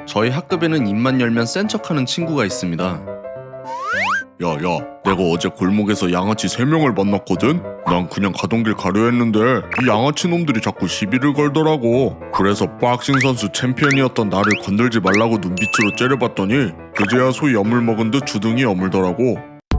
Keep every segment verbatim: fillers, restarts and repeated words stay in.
저희 학급에는 입만 열면 센 척하는 친구가 있습니다. 야야, 내가 어제 골목에서 양아치 세 명을 만났거든? 난 그냥 가던 길 가려 했는데 이 양아치 놈들이 자꾸 시비를 걸더라고. 그래서 박싱 선수 챔피언이었던 나를 건들지 말라고 눈빛으로 째려봤더니 그제야 소이 어물 먹은 듯 주둥이 어물더라고.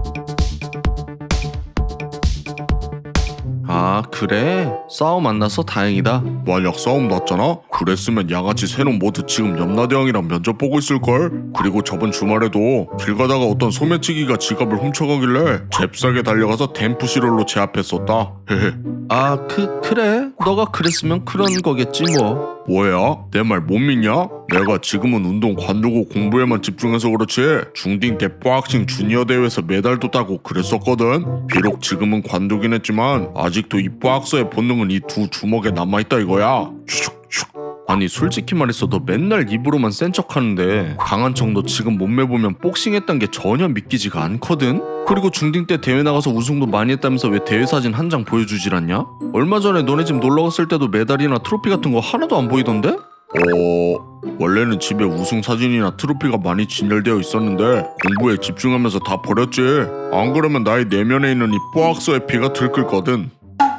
아 그래? 싸움 안 나서 다행이다. 만약 싸움 났잖아? 그랬으면 양아치 세 놈 모두 지금 염라대왕이랑 면접 보고 있을걸? 그리고 저번 주말에도 길 가다가 어떤 소매치기가 지갑을 훔쳐가길래 잽싸게 달려가서 댐프시롤로 제압했었다. 헤헤. 아 그 그래? 너가 그랬으면 그런 거겠지 뭐. 뭐야? 내 말 못 믿냐? 내가 지금은 운동 관두고 공부에만 집중해서 그렇지 중딩 때 박싱 주니어 대회에서 메달도 따고 그랬었거든. 비록 지금은 관두긴 했지만 아직도 이 박서의 본능은 이 두 주먹에 남아있다 이거야. 슉슉. 아니 솔직히 말해서 너 맨날 입으로만 센 척하는데 강한 척 너 지금 몸매 보면 복싱했단 게 전혀 믿기지가 않거든? 그리고 중딩 때 대회 나가서 우승도 많이 했다면서 왜 대회 사진 한 장 보여주질 않냐? 얼마 전에 너네 집 놀러 갔을 때도 메달이나 트로피 같은 거 하나도 안 보이던데? 어... 원래는 집에 우승 사진이나 트로피가 많이 진열되어 있었는데 공부에 집중하면서 다 버렸지. 안 그러면 나의 내면에 있는 이 박서의 피가 들끓거든.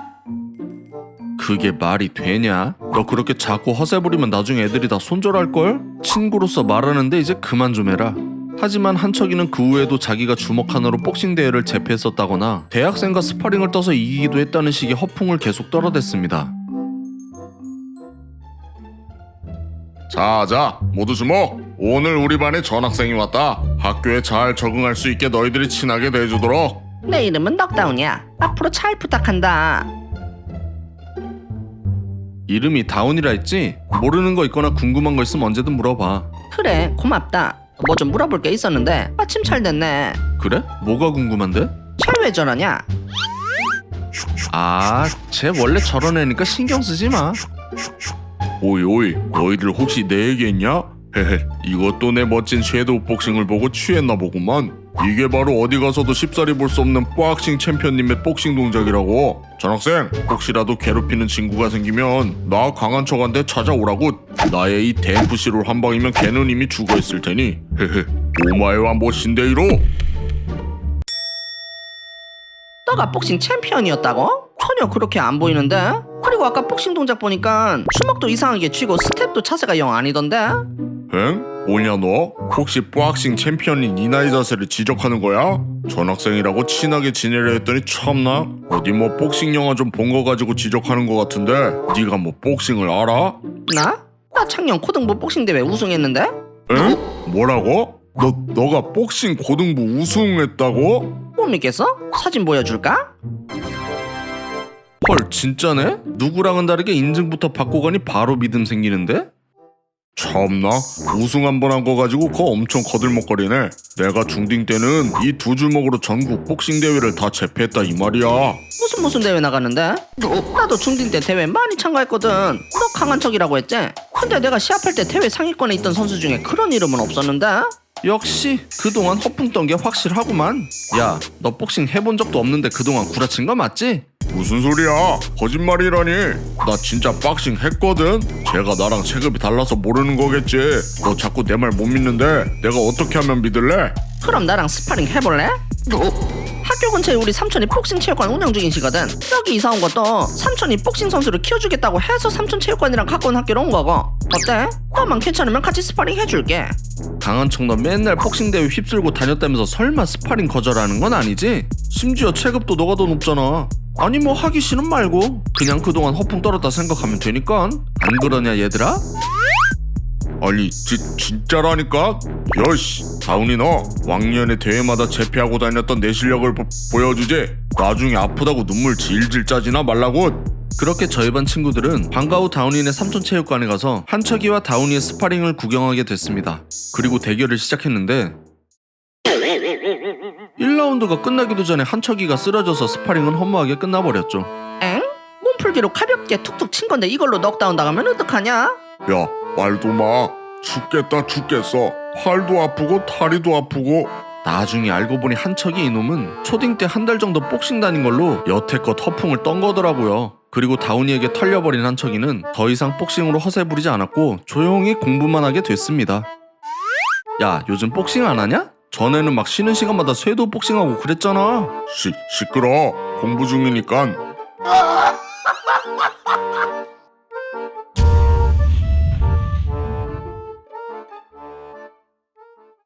그게 말이 되냐? 너 그렇게 자꾸 허세 부리면 나중에 애들이 다 손절할걸? 친구로서 말하는데 이제 그만 좀 해라. 하지만 한척이는 그 후에도 자기가 주먹 하나로 복싱 대회를 제패했었다거나 대학생과 스파링을 떠서 이기기도 했다는 식의 허풍을 계속 떨어댔습니다. 자자, 모두 주목! 오늘 우리 반에 전학생이 왔다. 학교에 잘 적응할 수 있게 너희들이 친하게 대해주도록. 내 이름은 넉다운이야. 앞으로 잘 부탁한다. 이름이 다운이라 했지? 모르는 거 있거나 궁금한 거 있으면 언제든 물어봐. 그래, 고맙다. 뭐 좀 물어볼 게 있었는데 마침 잘 됐네. 그래? 뭐가 궁금한데? 쟤 왜 저러냐? 아, 쟤 원래 저런 애니까 신경 쓰지 마. 오이 오이, 너희들 혹시 내 얘기했냐? 헤헤, 이것도 내 멋진 섀도우 복싱을 보고 취했나 보구만. 이게 바로 어디 가서도 쉽사리 볼 수 없는 박싱 챔피언님의 복싱 동작이라고. 전학생, 혹시라도 괴롭히는 친구가 생기면 나 강한 척한테 찾아오라고. 나의 이 댐프시롤 한 방이면 걔는 이미 죽어있을 테니. 헤헤, 오마에와 모신데이로. 너가 복싱 챔피언이었다고? 전혀 그렇게 안 보이는데? 그리고 아까 복싱 동작 보니까 주먹도 이상하게 쥐고 스텝도 자세가 영 아니던데? 엥? 뭐냐 너? 혹시 박싱 챔피언인 이 나이 자세를 지적하는 거야? 전학생이라고 친하게 지내려 했더니 참나? 어디 뭐 복싱 영화 좀 본 거 가지고 지적하는 거 같은데 네가 뭐 복싱을 알아? 나? 나 작년 고등부 복싱 대회 우승했는데? 응? 뭐라고? 너, 너가 복싱 고등부 우승했다고? 못 믿겠어? 사진 보여줄까? 헐 진짜네? 누구랑은 다르게 인증부터 받고 가니 바로 믿음 생기는데? 참나? 우승 한 번 한 거 가지고 그거 엄청 거들먹거리네. 내가 중딩 때는 이 두 주먹으로 전국 복싱 대회를 다 제패했다 이 말이야. 무슨 무슨 대회 나갔는데? 나도 중딩 때 대회 많이 참가했거든. 너 강한 척이라고 했지? 근데 내가 시합할 때 대회 상위권에 있던 선수 중에 그런 이름은 없었는데? 역시 그동안 허풍 떤 게 확실하구만. 야, 너 복싱 해본 적도 없는데 그동안 구라친 거 맞지? 무슨 소리야? 거짓말이라니. 나 진짜 박싱 했거든. 제가 나랑 체급이 달라서 모르는 거겠지. 너 자꾸 내 말 못 믿는데 내가 어떻게 하면 믿을래? 그럼 나랑 스파링 해볼래? 학교 근처에 우리 삼촌이 복싱 체육관 운영 중이시거든. 여기 이사 온 것도 삼촌이 복싱 선수를 키워주겠다고 해서 삼촌 체육관이랑 가까운 학교로 온 거고. 어때? 너만 괜찮으면 같이 스파링 해줄게. 강한 척 너 맨날 복싱 대회 휩쓸고 다녔다면서 설마 스파링 거절하는 건 아니지? 심지어 체급도 너가 더 높잖아. 아니 뭐 하기 싫은 말고 그냥 그동안 허풍 떨었다 생각하면 되니까. 안 그러냐 얘들아? 아니 지, 진짜라니까? 여씨 다운이 너 왕년에 대회마다 제패하고 다녔던 내 실력을 보, 보여주지. 나중에 아프다고 눈물 질질 짜지나 말라고. 그렇게 저희 반 친구들은 방과 후 다운이네 삼촌 체육관에 가서 한척이와 다운이의 스파링을 구경하게 됐습니다. 그리고 대결을 시작했는데 일 라운드가 끝나기도 전에 한척이가 쓰러져서 스파링은 허무하게 끝나버렸죠. 엥? 몸풀기로 가볍게 툭툭 친 건데 이걸로 넉다운 나가면 어떡하냐? 야 말도 마. 죽겠다 죽겠어. 팔도 아프고 다리도 아프고. 나중에 알고 보니 한척이 이놈은 초딩 때 한 달 정도 복싱 다닌 걸로 여태껏 허풍을 떤 거더라고요. 그리고 다운이에게 털려버린 한척이는 더 이상 복싱으로 허세 부리지 않았고 조용히 공부만 하게 됐습니다. 야 요즘 복싱 안 하냐? 전에는 막 쉬는 시간마다 쇄도 복싱하고 그랬잖아. 시, 시끄러. 공부 중이니깐.